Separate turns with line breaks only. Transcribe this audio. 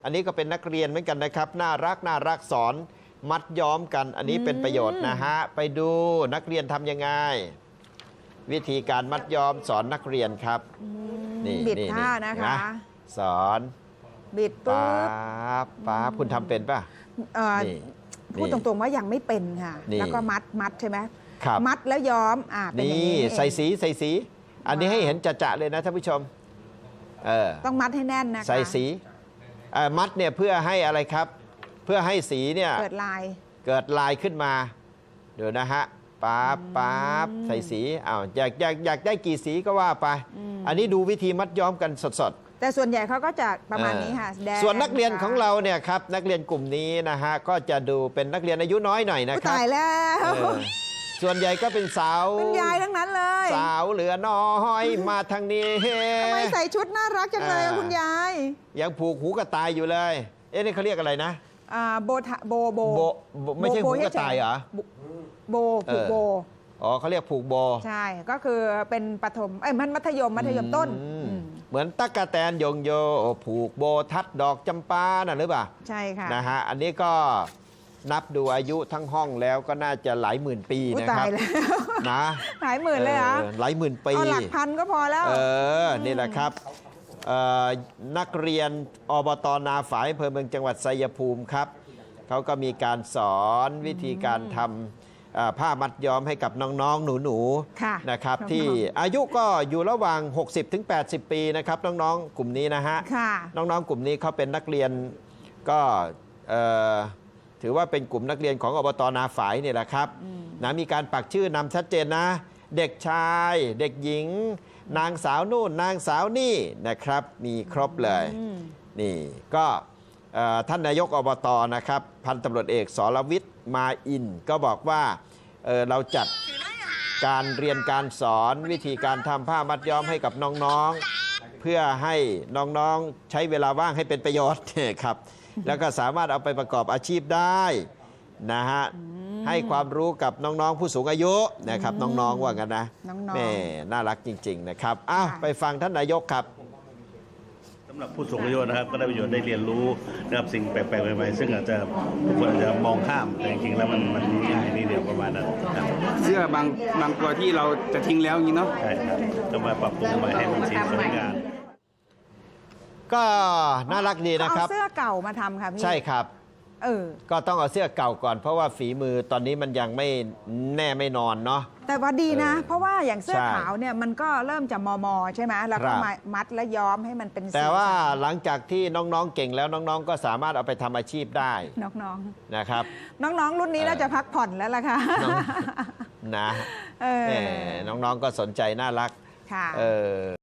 อันนี้ก็เป็นนักเรียนเหมือนกันนะครับน่ารักสอนมัดย้อมกันอันนี้เป็นประโยชน์นะฮะไปดูนักเรียนทำยังไงวิธีการมัดย้อมสอนนักเรียนครับนี่
บิดท่านะคะ
สอน
บิดปุ๊บ
ป๊าคุณทำเป็นป่ะ
พูดตรงๆว่ายังไม่เป็นค่ะแล้วก็มัดใช่ไหมมัดแล้วย้อมเป็นอย่างนี้
ใส่สีอันนี้ให้เห็นจะเลยนะท่านผู้ชม
ต้องมัดให้แน่นนะคะ
ใส่สีมัดเนี่ยเพื่อให้อะไรครับเพื่อให้สีเนี่ย
เกิด
ลายขึ้นมาเดี๋ยวนะฮะป๊าบใส่สีอยากได้กี่สีก็ว่าไปอันนี้ดูวิธีมัดย้อมกันสด
แต่ส่วนใหญ่เขาก็จะประมาณนี้ค่ะ
ส่วนนักเรียนของเราเนี่ยครับนักเรียนกลุ่มนี้นะฮะก็จะดูเป็นนักเรียนอายุน้อยหน่อยนะครับ
ตายแล้ว
ส่วนใหญ่ก็เป็นสาว
เป็นยายทั้งนั้นเลย
สาวเหลือน้อยมาทางนี้
ทำไมใส่ชุดน่ารักจังเลยคุณยาย
ยังผูกหูกระต่ายอยู่เลยนี่เขาเรียกอะไรนะ
โบ
ไม่ใช่หูกระต่ายเหรอ
ผูกโบ
เขาเรียกผูกโบ
ใช่ก็คือเป็นประถมมันมัธยมต้น
เหมือนตั๊กแตนยงโยผูกโบทัดดอกจำปาน่ะหรือเปล่า
ใช่ค่ะ
นะฮะอันนี้ก็นับดูอายุทั้งห้องแล้วก็น่าจะหลายหมื่นปีนะครับนะ
หลายหมื่นเลยเหรอ
หลายหมื่นปี
หลักพันก็พอแล้ว
นี่แหละครับนักเรียนอบต.นาฝายอำเภอเมืองจังหวัดชัยภูมิครับเขาก็มีการสอนวิธีการทำผ้ามัดย้อมให้กับน้องๆหนูๆนะครับที่อายุก็อยู่ระหว่าง 60-80 ปีนะครับน้องๆกลุ่มนี้นะฮะน้องๆกลุ่มนี้เขาเป็นนักเรียนก็ถือว่าเป็นกลุ่มนักเรียนของอบต.นาฝายนี่แหละครับนะมีการปักชื่อนำชัดเจนนะเด็กชายเด็กหญิงนางสาวนู่นนางสาวนี่นะครับมีครบเลยนี่ก็ท่านนายกอบต.นะครับพันตำรวจเอกสรวิทย์มาอินก็บอกว่าเราจัดการเรียนการสอนวิธีการทำผ้ามัดย้อมให้กับน้องๆเพื่อให้น้องๆใช้เวลาว่างให้เป็นประโยชน์ครับแล้วก็สามารถเอาไปประกอบอาชีพได้นะฮะให้ความรู้กับน้องๆผู้สูงอายุนะครับน้องๆว่ากันนะแม่น่ารักจริงๆนะครับไปฟังท่านนายกครับ
สำหรับผู้สูงอายุนะครับก็ได้ประโยชน์ได้เรียนรู้นะครับสิ่งแปลกๆใหม่ๆซึ่งอาจจะทุกคนอาจจะมองข้ามแต่จริงๆแล้วมันง่ายนิดเดียวประมาณนั้น
เสื้อบางตัวที่เราจะทิ้งแล้วอย่างนี้เนาะ
ใช่ครับก็มาปรับปรุงใหม่ให้มันสีสวยงาม
ก็น่ารักดีนะครับ
เอาเสื้อเก่ามาทำค่ะพี่
ใช่ครับก็ต้องเอาเสื้อเก่าก่อนเพราะว่าฝีมือตอนนี้มันยังไม่แน่ไม่นอนเนาะ
แต่ว่าดีนะเพราะว่าอย่างเสื้อขาวเนี่ยมันก็เริ่มจะมอใช่ไหมแล้วก็มามัดและย้อมให้มันเป็น
แต่ว่าหลังจากที่น้องๆเก่งแล้วน้องๆก็สามารถเอาไปทำอาชีพได้
น้อง
ๆนะครับ
น้องๆรุ่นนี้น่าจะพักผ่อนแล้วล่ะค่ะ
นะน้องๆก็สนใจน่ารักค่ะ